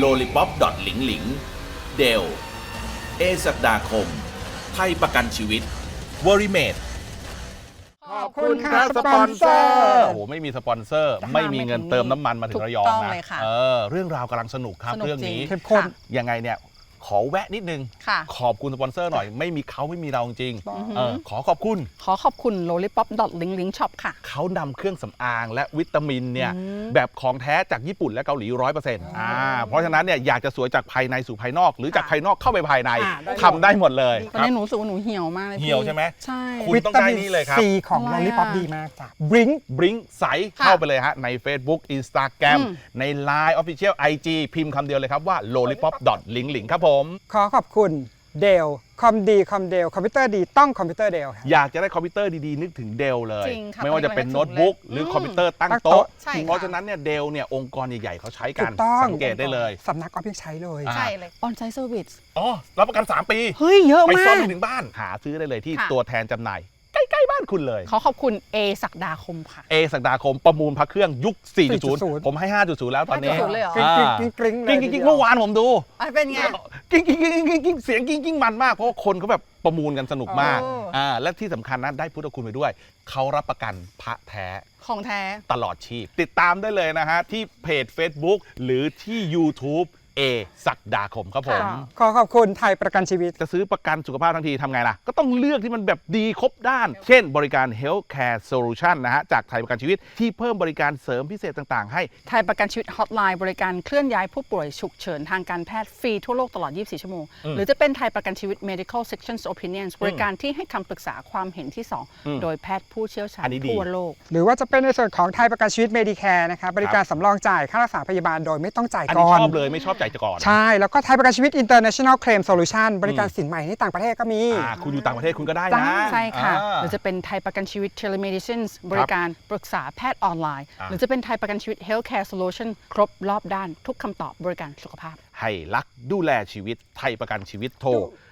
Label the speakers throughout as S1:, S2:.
S1: lollipop หลิงหลิงเดลศักดาคมไทยประกันชีวิตวอริเมด
S2: ขอบคุณค่ะสปอนเซอร์
S3: โอ้โหไม่มีสปอนเซอร์ไม่มีเงินเติมน้ำมันมาถึงระยองนะเรื่องราวกำลังสนุกครับเรื่องนี้เข้มข้นยังไงเนี่ยขอแวะนิดนึงขอบคุณสปอนเซอร์หน่อยไม่มีเขาไม่มีเราจริงขอขอบคุณ
S2: lollipop หลิงหลิงช็อปค่ะ
S3: เขานำเครื่องสำอางและวิตามินเนี่ยแบบของแท้จากญี่ปุ่นและเกาหลี 100%เพราะฉะนั้นเนี่ยอยากจะสวยจากภายในสู่ภายนอกหรือจากภายนอกเข้าไปภายในทำได้หมดเลย
S2: ตอนนี้หนูรู้สึกว่าหนูเหี่ยวมากเลย
S3: เหี่ยวใช่ไหม
S2: ใช่
S3: คุณต้องได้นี่เลยครับ
S4: วิตามิน C ของ lollipop ดีมากจ้ะบริง
S3: ใสเข้าไปเลยฮะใน Facebook Instagram ใน Line Official IG พิมพ์คำเดียวเลยครับว่า lollipop หลิงหลิงครับผม
S4: ขอบคุณเดลคอมดีคอมเดลคอมพิวเตอร์ดีต้องคอมพิวเตอร์เดล
S3: อยากจะได้คอมพิวเตอร์ดีๆนึกถึงเดลเลยไม่ว่าจะเป็นโน้ตบุ๊กหรือคอมพิวเตอร์ตั้งโต๊ะเพราะฉะนั้นเนี่ยเดลเนี่ยองค์กรใหญ่ๆเขาใช้กันสังเกตได้เลย
S4: สำนักออฟฟิศใช้เลย
S2: ใช่เลยออนไซต์เซอร์วิส
S3: รับประกัน3 ปี
S2: เฮ้ยเยอะมาก
S3: ไปซ่อมถึงบ้านหาซื้อได้เลยที่ตัวแทนจำหน่ายใกล้ๆบ้านคุณเลย
S2: ขอบคุณศักดาคมค่ะ
S3: ศักดาคมประมูลพระเครื่องยุค 4.0 ผมให้ 5.0 แล้วตอนนี้กิ้งเมื่อวานผมดู
S2: เป็นไง
S3: กิ้งเสียงกิ้งมันมากเพราะคนเขาแบบประมูลกันสนุกมากและที่สำคัญนะได้พุทธคุณไปด้วยเขารับประกันพระแท้
S2: ของแท้
S3: ตลอดชีพติดตามได้เลยนะฮะที่เพจ Facebook หรือที่ YouTube ศักดาคมครับผม
S4: ขอบคุณไทยประกันชีวิต
S3: จะซื้อประกันสุขภาพทั้งทีทำไงล่ะก็ต้องเลือกที่มันแบบดีครบด้านเช่นบริการ Health Care Solution นะฮะจากไทยประกันชีวิตที่เพิ่มบริการเสริมพิเศษต่างๆให้
S2: ไทยประกันชีวิตฮอตไลน์บริการเคลื่อนย้ายผู้ป่วยฉุกเฉินทางการแพทย์ฟรีทั่วโลกตลอด 24 ชั่วโมงหรือจะเป็นไทยประกันชีวิต Medical Sections Opinions บริการที่ให้คำปรึกษาความเห็นที่2โดยแพทย์ผู้เชี่ยวชาญทั่วโลก
S4: หรือว่าจะเป็นในส่วนของไทยประกันชีวิต Medicare นะครับบริการสำรองจ่ายค่ารักษาพยาบาลโดยไม่ต้องจ่ายก่อน
S3: ชอบเลยไม่ชอบจ่ายก่อน
S4: ใช่แล้วก็ไทยประกันชีวิต International Claim Solution บริการสินใหม่ในต่างประเทศก็มี
S3: คุณอยู่ต่างประเทศคุณก็ได้นะ
S2: ใช่ค่ะหรือจะเป็นไทยประกันชีวิต Telemedicine บริการปรึกษาแพทย์ออนไลน์หรือจะเป็นไทยประกันชีวิต Healthcare Solution ครบรอบด้านทุกคำตอบบริการสุขภาพ
S3: ให้รักดูแลชีวิตไทยประกันชีวิตโทร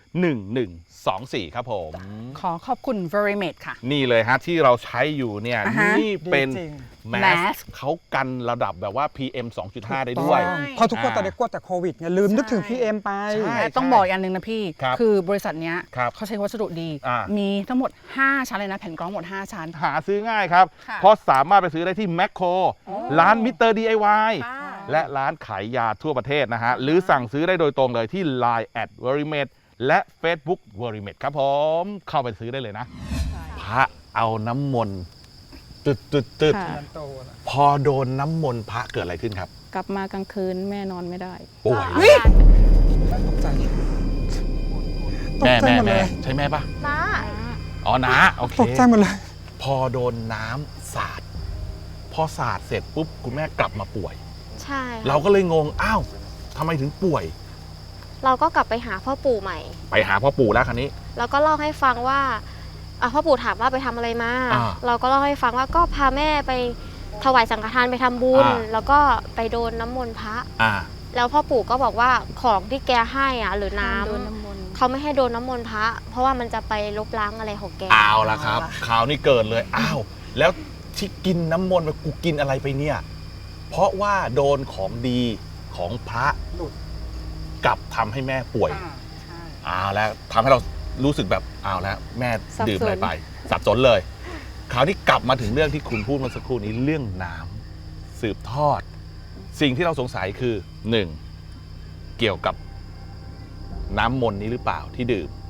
S3: 1124ครับผม
S2: ขอบคุณ Verimed ค่ะ
S3: นี่เลยฮะที่เราใช้อยู่เนี่ยนี่เป็นแมสเขากันระดับแบบว่า PM 2.5 ได้ด้วย
S4: เพราะทุกคนตอนนี้กลัวแต่โควิดไงลืมนึกถึง PM ไป
S2: ต้องบอกอย่างหนึ่งนะพี่คือบริษัทเนี้ยเขาใช้วัสดุดีมีทั้งหมด5ชั้นเลยนะแผ่นกรองหมด5ชั้น
S3: หาซื้อง่ายครับเพราะสามารถไปซื้อได้ที่แมคโครร้านมิสเตอร์ DIY และร้านขายยาทั่วประเทศนะฮะหรือสั่งซื้อได้โดยตรงเลยที่ Line @Verimedและ Facebook Verimed ครับผมเข้าไปซื้อได้เลยนะพระเอาน้ำมนต์ตึดพอโดนน้ำมนต์พระเกิดอะไรขึ้นครับ
S5: กลับมากลางคืนแม่นอนไม่ได้
S3: ป่วย
S4: ตกใจ
S3: แม่ใช่แม่ปะ
S5: น้า
S3: น้าโอเค
S4: ตกใจหมดเลย
S3: พอโดนน้ำสาดพอสาดเสร็จปุ๊บคุณแม่กลับมาป่วย
S5: ใช่
S3: เราก็เลยงงอ้าวทำไมถึงป่วย
S5: เราก็กลับไปหาพ่อปู่ใหม่
S3: ไปหาพ่อปู่แล้วคันนี้
S5: แล้วก็เล่าให้ฟังว่าพ่อปู่ถามว่าไปทำอะไรมาเราก็เล่าให้ฟังว่าก็พาแม่ไปถวายสังฆทานไปทำบุญแล้วก็ไปโดนน้ำมนต์พระแล้วพ่อปู่ก็บอกว่าของที่แกให้หรือน้ำเขาไม่ให้โดนน้ำมนต์พระเพราะว่ามันจะไปลบล้างอะไรของแก
S3: เอาละครับข่าวนี้เกิดเลยอ้าวแล้วที่กินน้ำมนต์ไปกูกินอะไรไปเนี่ยเพราะว่าโดนของดีของพระกลับทำให้แม่ป่วยแล้วทำให้เรารู้สึกแบบแล้วแม่ดื่มอะไรไปสับสนเลยคราวนี้กลับมาถึงเรื่องที่คุณพูดเมื่อสักครู่นี้เรื่องน้ำสืบทอดสิ่งที่เราสงสัยคือ 1. เกี่ยวกับน้ำมนต์นี้หรือเปล่าที่ดื่ม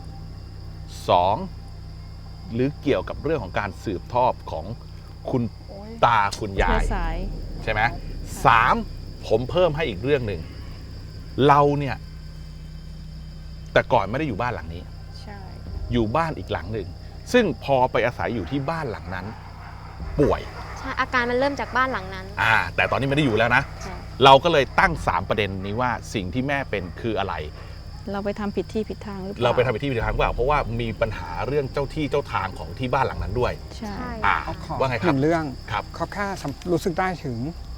S3: 2. หรือเกี่ยวกับเรื่องของการสืบทอดของคุณตาคุณยายใช่ไหม 3. ผมเพิ่มให้อีกเรื่องหนึ่งเราเนี่ยแต่ก่อนไม่ได้อยู่บ้านหลังนี้ใช่อยู่บ้านอีกหลังหนึ่งซึ่งพอไปอาศัยอยู่ที่บ้านหลังนั้นป่วย
S5: ใช่อาการมันเริ่มจากบ้านหลังนั้น
S3: แต่ตอนนี้ไม่ได้อยู่แล้วนะเราก็เลยตั้ง3ประเด็นนี้ว่าสิ่งที่แม่เป็นคืออะไร
S5: เราไปทำผิดที่ผิดทางหรือเปล่า
S3: เราไปทำผิดที่ผิดทางหรือเปล่าเพราะว่ามีปัญหาเรื่องเจ้าที่เจ้าทางของที่บ้านหลังนั้นด้วย
S5: ใช่
S3: ว่าไงครับ
S4: เรื่อง
S3: ครับ
S4: เขาแค่รู้สึกได้ถึง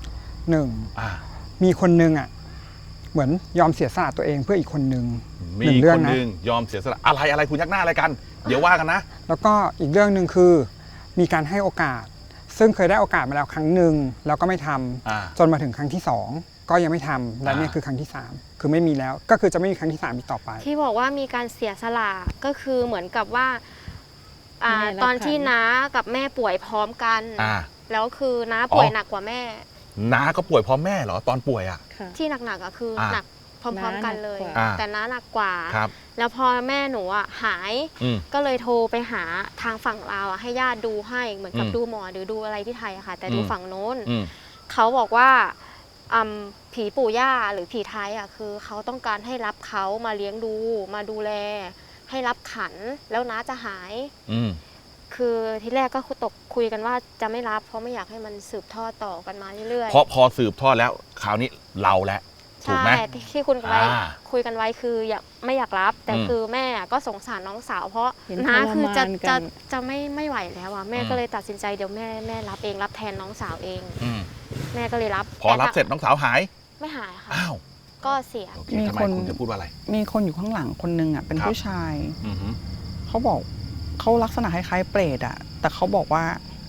S4: 1มีคนนึงเหมือนยอมเสียสละตัวเองเพื่ออีกคนนึง
S3: มีคนนึงยอมเสียสละอะไรคุณยักหน้าอะไรกันเดี๋ยวว่ากันนะ
S4: แล้วก็อีกเรื่องหนึ่งคือมีการให้โอกาสซึ่งเคยได้โอกาสมาแล้วครั้งหนึ่งแล้วก็ไม่ทำจนมาถึงครั้งที่2 ก็ยังไม่ทำและเนี่ยคือครั้งที่ 3 คือไม่มีแล้วก็คือจะไม่มีครั้งที่ 3 อีกต่อไป
S5: ที่บอกว่ามีการเสียสละก็คือเหมือนกับว่า
S2: แม่รับ
S5: ตอนที่
S2: ขัน
S5: น้ากับแม่ป่วยพร้อมกัน
S3: อ่า
S5: แล้วคือน้าป่วยหนักกว่าแม่
S3: น้าก็ป่วยเพราะแม่เหรอตอนป่วยอ่ะ
S2: ค่ะ
S5: ที่หนักๆก็คือหนักพร้อมๆกันเลย
S2: น้าหนักกว่า
S5: แต่น้าหนักกว่า
S3: ครับ
S5: แล้วพอแม่หนูอ่ะหาย
S3: อืม
S5: ก็เลยโทรไปหาทางฝั่งลาวอ่ะให้ญาติดูให้เหมือนกับ
S3: อืม
S5: ดูหมอหรือดูอะไรที่ไทยอะค่ะ แต่ดู
S3: อืม
S5: ฝั่งโน้น
S3: อืม
S5: เขาบอกว่าผีปู่ย่าหรือผีไทยอ่ะคือเขาต้องการให้รับเขามาเลี้ยงดูมาดูแล ให้รับขันแล้วน้าจะหาย
S3: อืม
S5: คือที่แรกก็คุยกันว่าจะไม่รับเพราะไม่อยากให้มันสืบทอดต่อกันมาเรื่อย
S3: เพราะพอสืบทอดแล้วคราวนี้เราแล้วถูก
S5: ใช่
S3: ไหม
S5: ที่คุณไว้
S3: อ่า
S5: คุยกันไว้คือไม่อยากรับ แต่
S3: อืม
S5: คือแม่ก็สงสารน้องสาว เพราะ
S2: เห็น
S5: น้าคือจะ
S2: ทรมานกัน
S5: จะไม่ไหวแล้วอ่ะแม่
S3: อืม
S5: ก็เลยตัดสินใจเดี๋ยวแม่รับเองรับแทนน้องสาวเอง
S3: อืม
S5: แม่ก็เลยรับ
S3: พอรับเสร็จน้องสาวหาย
S5: ไม่หายค่ะ
S3: อ้าว
S5: ก็เสีย
S3: โอเค
S2: มี
S3: ทำไม
S2: คน
S3: คุณจะพูดว่าอะไร
S2: มีคนอยู่ข้างหลังคนนึงอ่ะเป็น
S3: ครับ
S2: ผู้ชาย
S3: อือฮึ
S2: เขาบอกเขาลักษณะคล้ายๆเปรตอ่ะ แต่เขาบอกว่า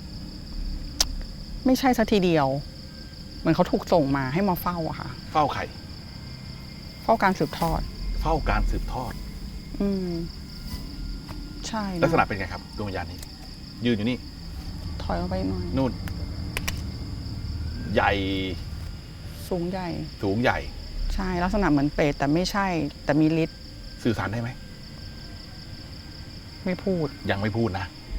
S2: ไม่ใช่สัทีเดียว เหมือนเขาถูกส่งมาให้มาเฝ้าอะค่ะ
S3: เฝ้าใคร
S2: เฝ้าการสืบทอด
S3: เฝ้าการสืบทอด
S2: อืม ใช่น
S3: ลักษณะเป็นไงครับดวงวิญญาณนี้ ยืนอยู่นี่
S2: ถอยออกไปหน่อย
S3: นู่น ใหญ่
S2: สูงใหญ่
S3: สูงใหญ่
S2: ใช่ลักษณะเหมือนเปรตแต่ไม่ใช่ แต่มีฤทธิ์
S3: สื่อสารได้ไหม
S2: ไม่พูด
S3: ยังไม่พูดนะ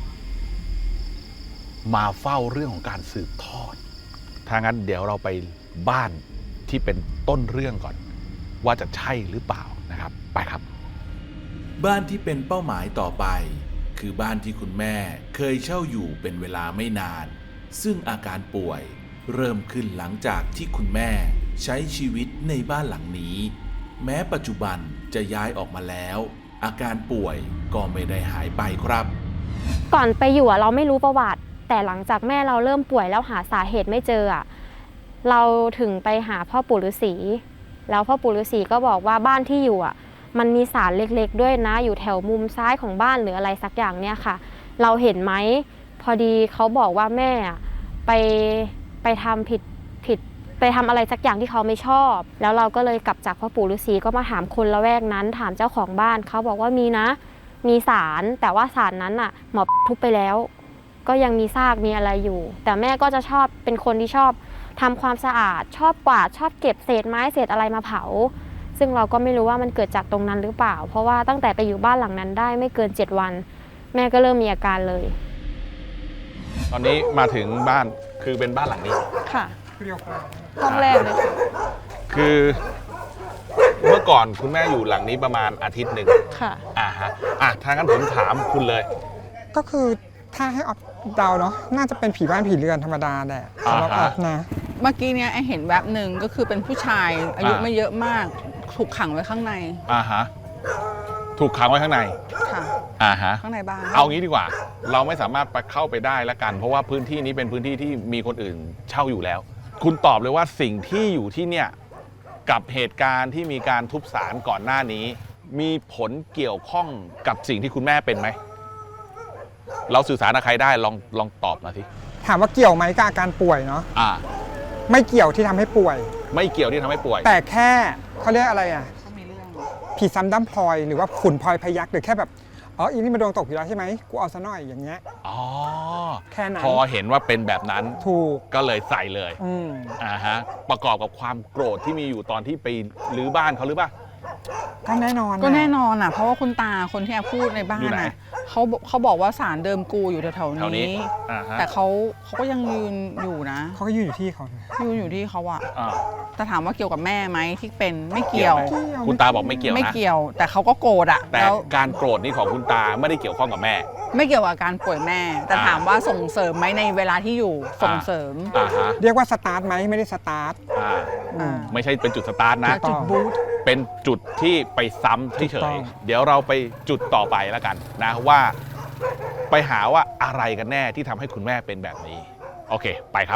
S3: มาเฝ้าเรื่องของการสืบทอด ถ้างั้นเดี๋ยวเราไปบ้านที่เป็นต้นเรื่องก่อน ว่าจะใช่หรือเปล่านะครับ ไปครับ
S1: บ้านที่เป็นเป้าหมายต่อไป คือบ้านที่คุณแม่เคยเช่าอยู่เป็นเวลาไม่นาน ซึ่งอาการป่วยเริ่มขึ้นหลังจากที่คุณแม่ใช้ชีวิตในบ้านหลังนี้ แม้ปัจจุบันจะย้ายออกมาแล้ว อาการป่วยก็ไม่ได้หายไปครับ
S5: ก่อนไปอยู่อะเราไม่รู้ประวัติ แต่หลังจากแม่เราเริ่มป่วยแล้วหาสาเหตุไม่เจออะเราถึงไปหาพ่อปู่ฤาษีแล้วพ่อปู่ฤาษีก็บอกว่าบ้านที่อยู่อะมันมีศาลเล็กๆด้วยนะอยู่แถวมุมซ้ายของบ้านหรืออะไรสักอย่างเนี่ยค่ะ เราเห็นไหมพอดีเขาบอกว่าแม่อะไปทำผิดไปทำอะไรสักอย่างที่เขาไม่ชอบ แล้วเราก็เลยกลับจากพ่อปู่ฤาษีก็มาถามคนละแวกนั้นถามเจ้าของบ้านเขาบอกว่ามีนะ มีศาลแต่ว่าศาลนั้นน่ะหมอทุบไปแล้ว ก็ยังมีซากมีอะไรอยู่ แต่แม่ก็จะชอบเป็นคนที่ชอบทำความสะอาด ชอบกวาดชอบเก็บเศษไม้เศษอะไรมาเผา ซึ่งเราก็ไม่รู้ว่ามันเกิดจากตรงนั้นหรือเปล่า เพราะว่าตั้งแต่ไปอยู่บ้านหลังนั้นได้ไม่เกิน 7 วัน แม่ก็เริ่มมีอาการเลย
S3: ตอนนี้มาถึงบ้านคือเป็นบ้านหลังนี้
S2: ค่ะ
S4: เรียวกรา
S2: ห้องแรกเลยค่ะ
S3: คือเมื่อก่อนคุณแม่อยู่หลังนี้ประมาณอาทิตย์หนึ่ง
S2: ค่ะ
S3: อ่าฮะถ้างั้นผมถามคุณเลย
S4: ก็คือถ้าให้ออฟเดาเนาะน่าจะเป็นผีบ้านผีเรือนธรรมดาแหละสำหรับออฟนะ
S2: เมื่อกี้เนี่ยไอเห็นแบบหนึ่งก็คือเป็นผู้ชายอายุไม่เยอะมาก ถูกขังไว้ข้างใน
S3: อ่าฮะถูกขังไว้ข้างใน
S2: ค่ะ
S3: อ่าฮะ
S2: ข้างในบ้าน
S3: เอางี้ดีกว่า เราไม่สามารถไปเข้าไปได้ละกัน เพราะว่าพื้นที่นี้เป็นพื้นที่ที่มีคนอื่นเช่าอยู่แล้ว คุณตอบเลยว่าสิ่งที่อยู่ที่เนี่ยกับเหตุการณ์ที่มีการทุบศาลก่อนหน้านี้ มีผลเกี่ยวข้องกับสิ่งที่คุณแม่เป็นไหม เราสื่อสารกับใครได้ลองตอบมาสิ
S4: ถามว่าเกี่ยวไหมกับอาการป่วยเนาะ
S3: อ่า
S4: ไม่เกี่ยวที่ทำให้ป่วย
S3: ไม่เกี่ยวที่ทำให้ป่วย
S4: แต่แค่เขาเรียกอะไรอ่ะ
S2: ก็มีเรื่อง
S4: ผีซ้ำด้ำพลอยหรือว่าฝุ่นพลอยพยักหรือแค่แบบอ๋ออีนี่มาดวงตกผีแล้วใช่ไหมกูเอาซะหน่อยอย่างเงี้ย
S3: อ๋อ
S4: แค่นั้น
S3: พอเห็นว่าเป็นแบบนั้น
S4: ถูก
S3: ก็เลยใส่เลย
S4: อืม
S3: อ่าฮะประกอบกับความโกรธที่มีอยู่ตอนที่ไปรื้อบ้านเขาหรือเปล่า
S4: ก็แน่นอน
S2: ก็แน่นอนอ่ะ เพราะว่าคุณตาคนที่แอบพูดในบ้า
S3: อยู่
S2: น
S3: ไหน
S2: อ่ะเขาบอกว่าศาลเดิมกูอยู่แถว
S3: แถว
S2: ๆ
S3: นี้
S2: นี้
S3: อ่าฮะ
S2: แต่เขาก็ยังยืนอยู่นะ
S4: เขาก็ยืนอยู่ที่เขานะ
S2: ยืนอยู่ที่เขาอะ
S3: อ่า
S2: แต่ถามว่าเกี่ยวกับแม่ไหมที่เป็นไม่เกี่ยว
S3: คุณตาบอกไม่เกี่ยว
S2: ไม่
S3: นะ
S2: เกี่ยว แต่เขาก็โกรธอะ
S3: แต่
S2: แล้ว
S3: การโกรธนี่ของคุณตาไม่ได้เกี่ยวข้องกับแม่
S2: ไม่เกี่ยวกับการป่วยแม่ แต่
S3: อ่า
S2: ถามว่าส่งเสริมไหมในเวลาที่อยู่ส่งเสริม
S3: อ่าฮะ
S4: เรียกว่าสตาร์ทไหมไม่ได้สตาร์ท
S3: อ่า
S2: อ่า
S3: ไม่ใช่เป็นจุดสตาร์ทนะ
S4: ถูกต้
S2: จุ
S4: อง
S2: ดบูธ
S3: เป็นจุดที่ไปซ้ำ
S4: ถูก
S3: เฉ
S4: ต้
S3: ย
S4: อง
S3: ๆเดี๋ยวเราไปจุดต่อไปแล้วกันนะว่าไปหาว่าอะไรกันแน่ที่ทำให้คุณแม่เป็นแบบนี้ โอเค ไปครับ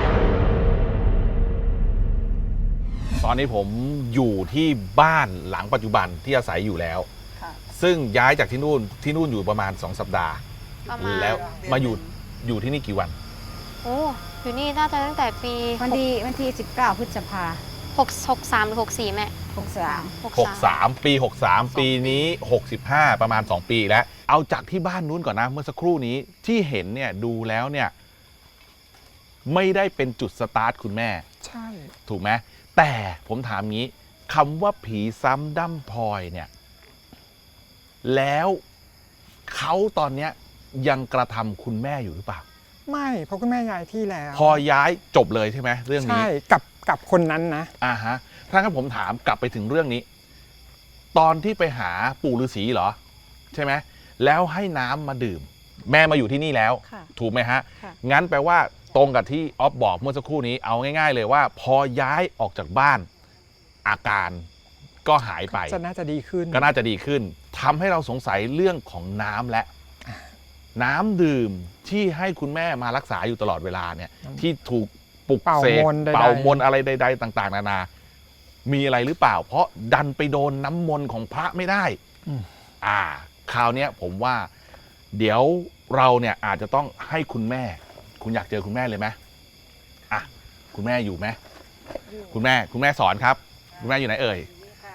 S3: ตอนนี้ผมอยู่ที่บ้านหลังปัจจุบันที่อาศัยอยู่แล้ว
S2: ค่ะ
S3: ซึ่งย้ายจากที่นู่นอยู่ประมาณ 2 สัปดาห์
S5: ประมาณ
S3: แล้วมาอยู่ที่นี่กี่วัน
S5: โอ้อยู่นี่น่าจะตั้งแต่ปี
S6: วันที่19 พฤษภา
S5: 63หรือ64แม่
S3: 63 ปี 63 ปีนี้ 65 ประมาณ 2 ปีแล้ว เอาจากที่บ้านนู้นก่อนนะ เมื่อสักครู่นี้ที่เห็นเนี่ยดูแล้วเนี่ยไม่ได้เป็นจุดสตาร์ทคุณแม่
S4: ใช่
S3: ถูกไหมแต่ผมถามงี้คำว่าผีซ้ำด้ำพลอยเนี่ยแล้วเขาตอนเนี้ยยังกระทำคุณแม่อยู่หรือเปล่า
S4: ไม่เพราะคุณแม่ย้ายที่แล้ว
S3: พอย้ายจบเลยใช่ไหมเรื่องนี้
S4: ใช่กับคนนั้นนะ
S3: ฮะถ้างั้นผมถามกลับไปถึงเรื่องนี้ ตอนที่ไปหาปู่ฤาษีเหรอ ใช่ไหมแล้วให้น้ำมาดื่ม แม่มาอยู่ที่นี่แล้ว
S2: ค่ะ
S3: ถูกไหมฮะ
S2: ค่ะ
S3: งั้นแปลว่าตรงกับที่ออฟบอกเมื่อสักครู่นี้เอาง่ายๆเลยว่า พอย้ายออกจากบ้านอาการก็หายไป
S4: จะน่าจะดีขึ้น
S3: ก็น่าจะดีขึ้นทำให้เราสงสัยเรื่องของน้ำและน้ำดื่มที่ให้คุณแม่มารักษาอยู่ตลอดเวลาเนี่ยที่ถูกปลุกเสก
S4: เป่ามนต์ใดๆ
S3: เป่ามนต์อะไรใดๆต่าง ๆ นานา มีอะไรหรือเปล่า เพราะดันไปโดนน้ำมนต์ของพระไม่ได้คราวเนี้ยผมว่า เดี๋ยวเราเนี่ยอาจจะต้องให้คุณแม่ คุณอยากเจอคุณแม่เลยไหมอ่ะคุณแม่อยู่ไหมคุณแม่สอนครับ คุณแม่อยู่ไหนเอ่ย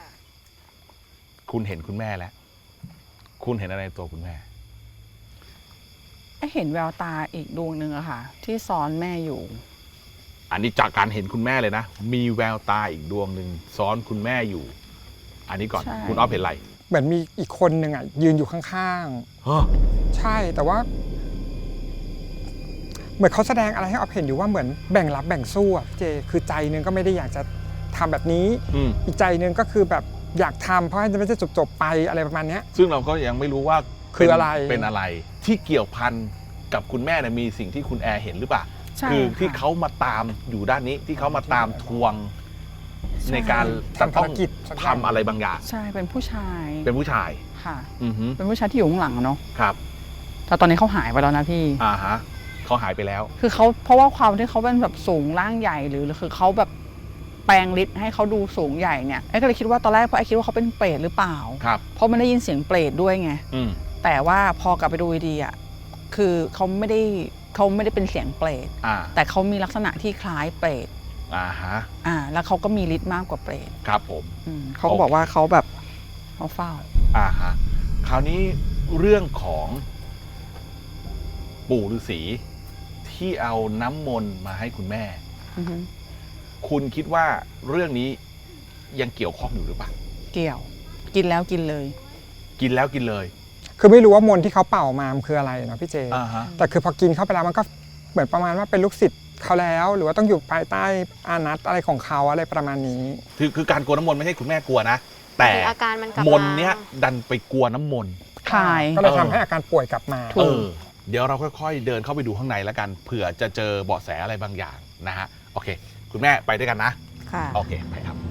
S3: คุณเห็นคุณแม่แล้ว คุณเห็นอะไรในตัวคุณแม่
S2: เห็นแววตาอีกดวงหนึ่งอะค่ะ ที่ซ้อนแม่อยู่
S3: อันนี้จากการเห็นคุณแม่เลยนะ มีแววตาอีกดวงหนึ่งซ้อนคุณแม่อยู่ อันนี้ก่อน
S2: ใช่
S3: คุณอ๊อฟเห็นอะไร
S4: เหมือนมีอีกคนหนึ่งอ่ะยืนอยู่ข้าง
S3: ฮะ
S4: ๆ ใช่แต่ว่า เหมือนเขาแสดงอะไรให้ออฟเห็นอยู่ว่าเหมือนแบ่งรับแบ่งสู้อะพี่เจคือใจหนึงก็ไม่ได้อยากจะทำแบบนี้ อีกใจหนึงก็คือแบบอยากทำเพราะจะไม่ได้จบๆไปอะไรประมาณเนี้ย
S3: ซึ่งเราก็ยังไม่รู้ว่า
S4: คืออะไร
S3: เป็นอะไรที่เกี่ยวพันกับคุณแม่เนี่ยมีสิ่งที่คุณแอร์เห็นหรือเปล่า
S2: ใช่
S3: คือ
S2: ค่ะ
S3: ที่เขามาตามอยู่ด้านนี้ที่เขามาตามทวง
S2: ใช่
S3: ในการจะ
S4: ทำ
S3: ต้
S4: ภา
S3: อ
S4: รง กิจสักอย่าง
S3: ทำอะไรบางอย่าง
S2: ใช่เป็นผู้ชาย
S3: เป็นผู้ชาย
S2: ค่ะ
S3: อือฮึ
S2: เป็นผู้ชายที่อยู่ข้างหลังอะเนาะ
S3: ครับ
S2: แต่ตอนนี้เขาหายไปแล้วนะพี่
S3: ฮะเขาหายไปแล้ว
S2: คือเขาเพราะว่าความที่เขาเป็นแบบสูงร่างใหญ่หรือคือเขาแบบแปลงฤทธิ์ให้เขาดูสูงใหญ่เนี่ยไอ้ก็เลยคิดว่าตอนแรกเพราะไอ้คิดว่าเขาเป็นเปรตหรือเปล่า
S3: ครับ
S2: เพราะมันได้ยินเสียงเปรตด้วยไง
S3: อืม
S2: แต่ว่าพอกลับไปดูดีๆอ่ะคือเขาไม่ได้เป็นเสียงเปรต
S3: อ่า
S2: แต่เขามีลักษณะที่คล้ายเปรต
S3: ฮะ
S2: แล้วเขาก็มีฤทธิ์มากกว่าเปรต
S3: ครับผม
S2: เขาก็บอกว่าเขาแบบเขาเฝ้า
S3: ฮะคราวนี้เรื่องของปู่ฤาษีที่เอาน้ำมนต์มาให้คุณแม่
S2: อือฮึ
S3: คุณคิดว่าเรื่องนี้ยังเกี่ยวข้องอยู่หรือเปล่า
S2: เกี่ยวกินแล้วกินเลย
S3: กินแล้วกินเลย
S4: คือไม่รู้ว่ามนต์ที่เขาเป่ามามันคืออะไรเนาะพี่เจ
S3: ฮะ
S4: แต่คือพอกินเข้าไปแล้วมันก็เหมือนประมาณว่าเป็นลูกศิษย์เขาแล้ว หรือว่าต้องอยู่ภายใต้อานัตอะไรของเขาอะไรประมาณนี้
S3: คือการกลัวน้ำมนต์ไม่ใช่คุณแม่กลัวนะ แต่
S5: คืออาการมันกลับ
S3: ม
S5: มาน
S3: ต์เนี้ยดันไปกลัวน้ำมนต์
S2: คลาย
S4: ก็เลยทำให้อาการป่วยกลับมา
S2: ถูก
S3: เดี๋ยวเราค่อยๆ เดินเข้าไปดูข้างในแล้วกันเผื่อจะเจอเบาะแสอะไรบางอย่างนะฮะโอเค คุณแม่ไปด้วยกันนะ
S2: ค่ะ
S3: โอเคไปครับ